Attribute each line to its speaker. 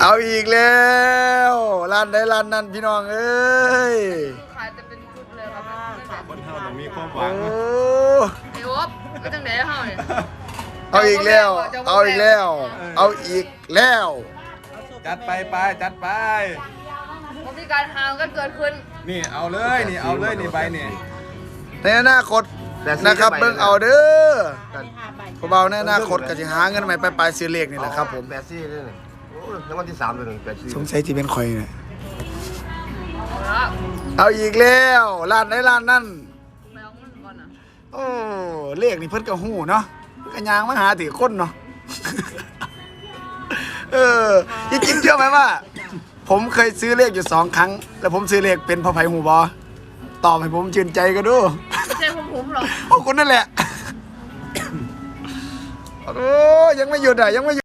Speaker 1: เอาอีกแล้วร้านใดร้านนั้นพี่น้องเอ้ย
Speaker 2: ขายจะเป็นชุดเลยครับ
Speaker 3: คนเฮาต้องมีความหวั
Speaker 1: โอ้
Speaker 3: ง
Speaker 2: ไอ้โอ๊บก็จังไหนเฮาเนี่ย
Speaker 1: เอาอีกแล้วเอาอีกแล้วเอาอีกแล้ว
Speaker 3: จัดไปจัดไป
Speaker 2: ผมมีการหาวกันเกิดขึ้น
Speaker 3: นี่เอาเลยนี่เอาเลยนี่ใบนี่
Speaker 1: ในอนาคตนะครับเบิ่งเอาเด้อพวกเราในอนาคตก็จะหาเงินใหม่ไปซื้อเลขนี่แหละครับผม
Speaker 4: 84เลยนี่โอ้ยรางวัลที่3เลย184
Speaker 1: สงสัยที่เป็นข่อยเนี่ย
Speaker 2: เอาละ
Speaker 1: เอาอีกแล้วร้านใดร้านนั้น
Speaker 2: ไปเอาเงินก่อนนะ
Speaker 1: โอ้เลขนี่เพิ่นก็ฮู้เนาะก็ยางมาหาถือคนเนาะ จริงๆเชื่อไหมว่า ผมเคยซื้อเลขอยู่2 ครั้ง แล้วผมซื้อเลขเป็นพ่อไผ่หูบอตอบให้ผมชื่นใจกันดู
Speaker 2: ไม่ใช่ผมหรอก
Speaker 1: พวกคุณนั่นแหละ โอ้ยังไม่หยุดอ่ะยังไม่หยุด